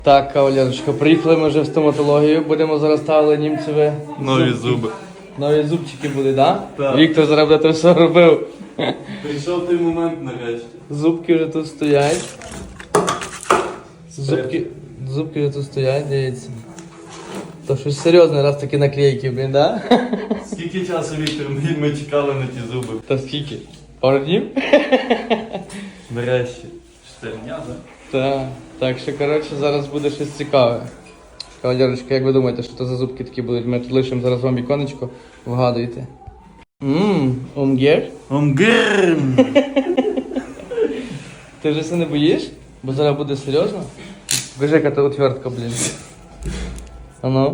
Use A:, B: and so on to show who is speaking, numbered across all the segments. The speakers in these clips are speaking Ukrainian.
A: Так, кавалерочка, приїхали ми вже в стоматологію, будемо зараз ставили німцеві
B: Нові зуби.
A: Нові зубчики були, да?
B: Так.
A: Віктор зараз буде те все робив.
B: Прийшов той момент нарешті.
A: Зубки вже тут стоять. Зубки вже тут стоять, дивіться. То щось серйозне, раз такі наклейки, блін, да?
B: Скільки часу, Віктор, ми чекали на ті зуби?
A: Та скільки? Пару днів?
B: Нарешті. 4 дня, так?
A: Так. Так що, коротше, зараз буде щось цікаве. Кавалерочка, як ви думаєте, що це за зубки такі будуть? Ми тут лишимо зараз вам віконечко, вгадуйте. Умгер?
B: Омгерм!
A: Ти вже це не боїш? Бо зараз буде серйозно? Бежи, яка ти отвертка, блін. А ну?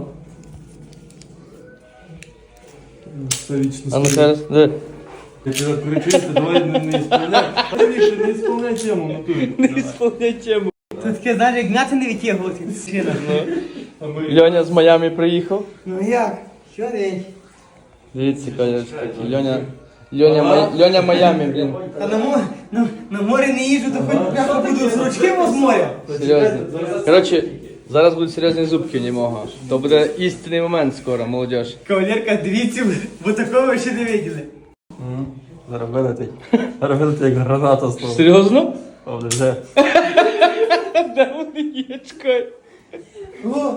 B: Це вічно
A: А ну ще раз. Де?
B: Я тебе кричуся, давай не ісполняй. Віктор, не ісполняй тему, натурі.
A: Не ісполняй тему.
C: Тут таке, знаєш, як м'яти не відтягувати.
A: Льоня з Майами приїхав.
C: Ну як? Що день?
A: Дивіться, кавалерочка, Льоня Майами, блін.
C: Та на море не їжджу, то хоч прямо буду з ручки з моря.
A: Серйозно. Коротше, зараз будуть серйозні зубки у нього. То буде істинний момент скоро, молодіж.
C: Кавалерка, дивіться, бо такого ви ще не виділи.
B: Зараз вилетить. Зараз вилетить, як граната стала.
A: Серйозно?
B: О, вже.
A: Де вони є, чекай.
C: О,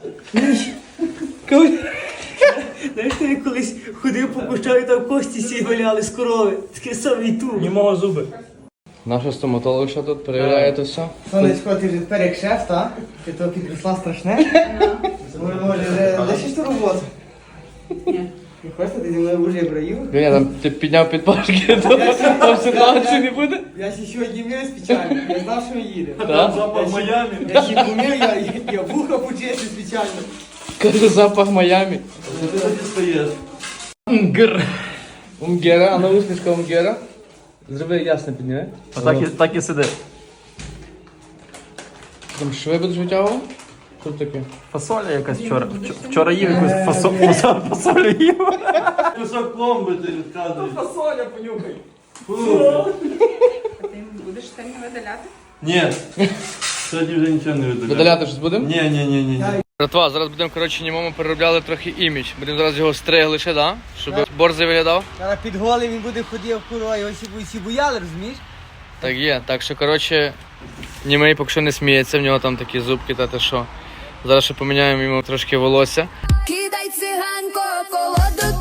C: знаєш, ти колись ходив по кущах і там кості сі валяли з корови. Таке саме і тут.
B: Німого зуби.
A: Наша стоматолог що тут перевіряє то все.
C: Сонечко, ти вже тепер як шеф, так? Ти то підросла страшне? Може, вже лишиш ту роботу?
D: Ні.
C: Не хочете, ти зі мною вже браїв?
A: Льоня, там ти підняв підпашки, то там ситуації не буде?
C: Я ще сьогодні мив спеціально, я знав, що їде.
A: Так?
B: Запах Майами.
C: Я ще помив, я вуха почистив спеціально.
A: Каже, запах Майами.
B: Що ти тоді стоїш?
A: Умгера, а на усмішка Умгера. Зроби ясно підніме.
B: Так і сиди.
A: Там шви будеш витягувати? Що таке?
B: Фасоля якась вчора. Вчора їв якусь фасолю їв. Кусок пломби ти відказуєш.
C: Фасоля понюхай.
D: А ти будеш сьогодні видаляти?
B: Ні. Сьогодні вже нічого не видаляю.
A: Видаляти щось будемо?
B: Ні.
A: Братва, зараз будемо, коротше, німому переробляли трохи імідж. Будемо зараз його стригли ще, да? Щоб борзий виглядав.
C: Зараз під голим він буде ходив курва, його всі бояли, розумієш?
A: Так є. Так що, коротше, німий поки що не сміється, в нього там такі зубки, та те що. Зараз ще поміняємо йому трошки волосся.
E: Кидай циганко, колоду